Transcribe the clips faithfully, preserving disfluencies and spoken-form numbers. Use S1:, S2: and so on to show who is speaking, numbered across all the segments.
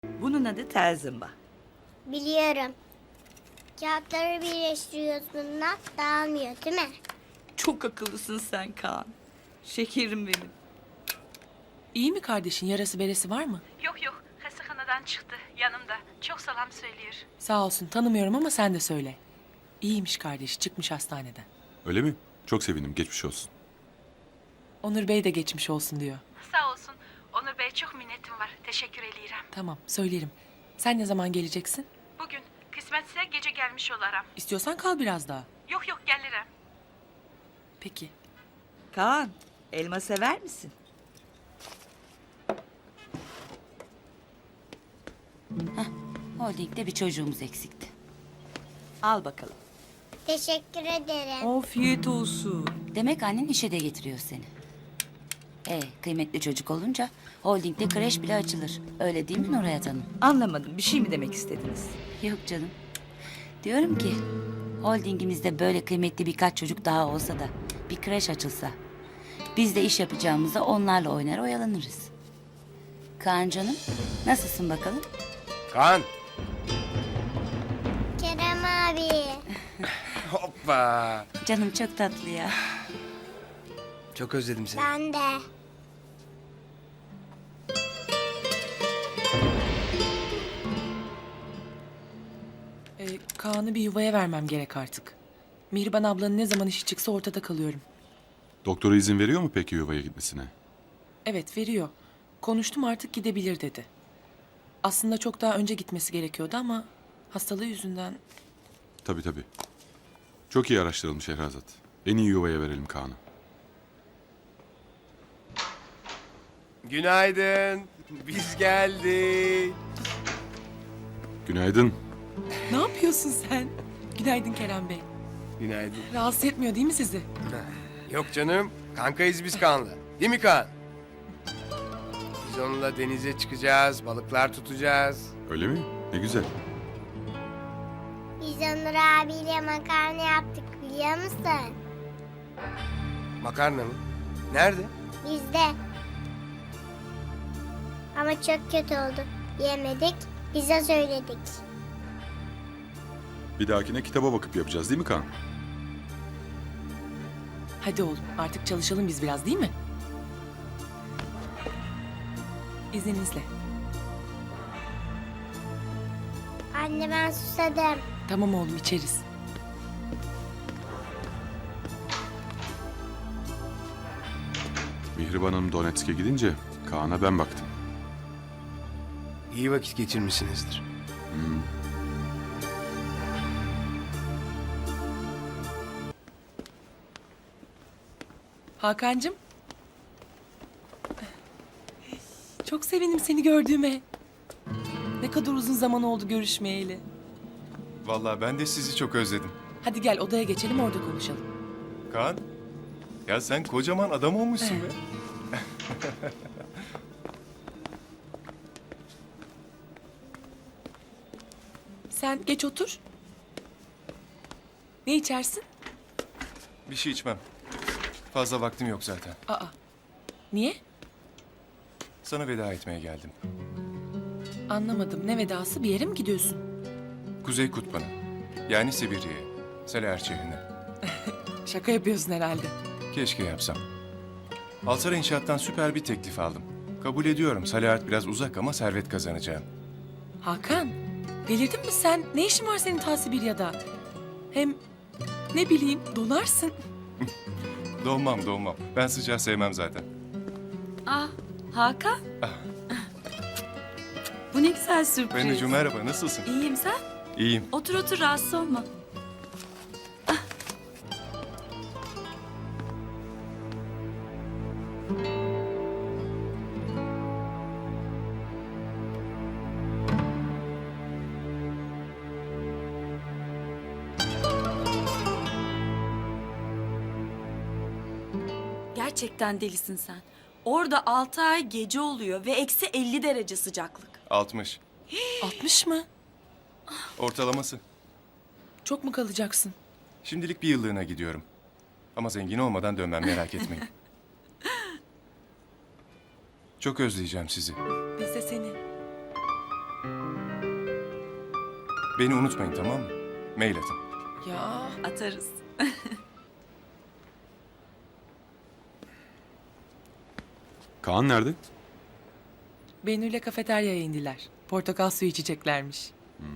S1: Bunun adı tel zımba.
S2: Biliyorum. Kağıtları birleştiriyorsun da dağılmıyor değil mi?
S1: Çok akıllısın sen Kaan. Şekerim benim.
S3: İyi mi kardeşin? Yarası beresi var mı?
S4: Yok yok, hastahanadan çıktı yanımda. Çok selam söylüyor.
S3: Sağ olsun, tanımıyorum ama sen de söyle. İyiymiş kardeşi, çıkmış hastaneden.
S5: Öyle mi? Çok sevindim. Geçmiş olsun.
S3: Onur Bey de geçmiş olsun diyor.
S4: Sağ olsun. Onur Bey çok minnetim var. Teşekkür ederim.
S3: Tamam, söylerim. Sen ne zaman geleceksin?
S4: Bugün kısmetse gece gelmiş olarım.
S3: İstiyorsan kal biraz daha.
S4: Yok yok gelirim.
S3: Peki.
S1: Kaan, elma sever misin?
S6: Holding'de bir çocuğumuz eksikti.
S1: Al bakalım.
S2: Teşekkür ederim.
S1: Afiyet olsun.
S6: Demek annen işe de getiriyor seni. E kıymetli çocuk olunca holdingde kreş bile açılır. Öyle değil mi Nurhayat Hanım?
S1: Anlamadım. Bir şey mi demek istediniz?
S6: Yok canım. Diyorum ki holdingimizde böyle kıymetli birkaç çocuk daha olsa da bir kreş açılsa. Biz de iş yapacağımıza onlarla oynar oyalanırız. Kaan canım nasılsın bakalım?
S7: Kaan.
S2: Kerem abi.
S7: Hoppa.
S6: Canım çok tatlı ya.
S7: Çok özledim seni.
S2: Ben de.
S3: Ee, Kaan'ı bir yuvaya vermem gerek artık. Mihriban ablanın ne zaman işi çıksa ortada kalıyorum.
S5: Doktora izin veriyor mu peki yuvaya gitmesine?
S3: Evet, veriyor. Konuştum, artık gidebilir dedi. Aslında çok daha önce gitmesi gerekiyordu ama hastalığı yüzünden...
S5: Tabii tabii. Çok iyi araştırılmış Şehrazat. En iyi yuvaya verelim Kaan'ı.
S7: Günaydın. Biz geldik.
S5: Günaydın.
S3: Ne yapıyorsun sen? Günaydın Kerem Bey.
S7: Günaydın.
S3: Rahatsız etmiyor değil mi sizi?
S7: Yok canım. Kankayız biz Kaan'la. Değil mi Kaan? Biz onunla denize çıkacağız, balıklar tutacağız.
S5: Öyle mi? Ne güzel.
S2: Biz Onur abiyle makarna yaptık biliyor musun?
S7: Makarna mı? Nerede?
S2: Bizde. Ama çok kötü oldu. Yemedik. Bize söyledik.
S5: Bir dahakine kitaba bakıp yapacağız değil mi Kaan?
S3: Hadi oğlum, artık çalışalım biz biraz değil mi? İzninizle.
S2: Anne ben susadım.
S3: Tamam oğlum, içeriz.
S5: Mihriban Hanım Donetsk'e gidince Kaan'a ben baktım.
S7: İyi vakit geçirmişsinizdir.
S3: Hakan'cığım. Çok sevindim seni gördüğüme. Ne kadar uzun zaman oldu görüşmeyeli.
S8: Vallahi ben de sizi çok özledim.
S3: Hadi gel odaya geçelim, orada konuşalım.
S8: Kaan, ya sen kocaman adam olmuşsun be.
S3: Sen geç otur. Ne içersin?
S8: Bir şey içmem. Fazla vaktim yok zaten.
S3: Aa. Niye?
S8: Sana veda etmeye geldim.
S3: Anlamadım. Ne vedası? Bir yere mi gidiyorsun?
S8: Kuzey Kutbu'na. Yani Sibirya'ya. Selaer şehrine.
S3: Şaka yapıyorsun herhalde.
S8: Keşke yapsam. Alsara İnşaat'tan süper bir teklif aldım. Kabul ediyorum. Selahat biraz uzak ama servet kazanacağım.
S3: Hakan, delirdin mi sen? Ne işin var senin ta Sibirya'da? Hem ne bileyim, donarsın.
S8: Donmam donmam. Ben sıcağı sevmem zaten.
S6: Ah Hakan. Bu ne güzel sürpriz.
S8: Bennucuğum merhaba, nasılsın?
S6: İyiyim sen?
S8: İyiyim.
S6: Otur otur rahatsız olma.
S9: Gerçekten delisin sen. Orada altı ay gece oluyor ve eksi elli derece sıcaklık.
S8: altmış.
S3: altmış mı?
S8: Ortalaması.
S3: Çok mu kalacaksın?
S8: Şimdilik bir yıllığına gidiyorum. Ama zengin olmadan dönmem, merak etmeyin. Çok özleyeceğim sizi.
S3: Biz de seni.
S8: Beni unutmayın, tamam mı? Mail atın.
S3: Ya
S9: Atarız.
S5: Kaan nerede?
S3: Bennu ile kafeteryaya indiler. Portakal suyu içeceklermiş.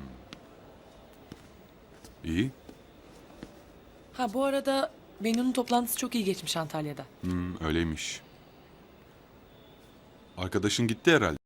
S5: İyi.
S3: Ha bu arada Bennu'nun toplantısı çok iyi geçmiş Antalya'da.
S5: Hmm, öyleymiş. Arkadaşın gitti herhalde.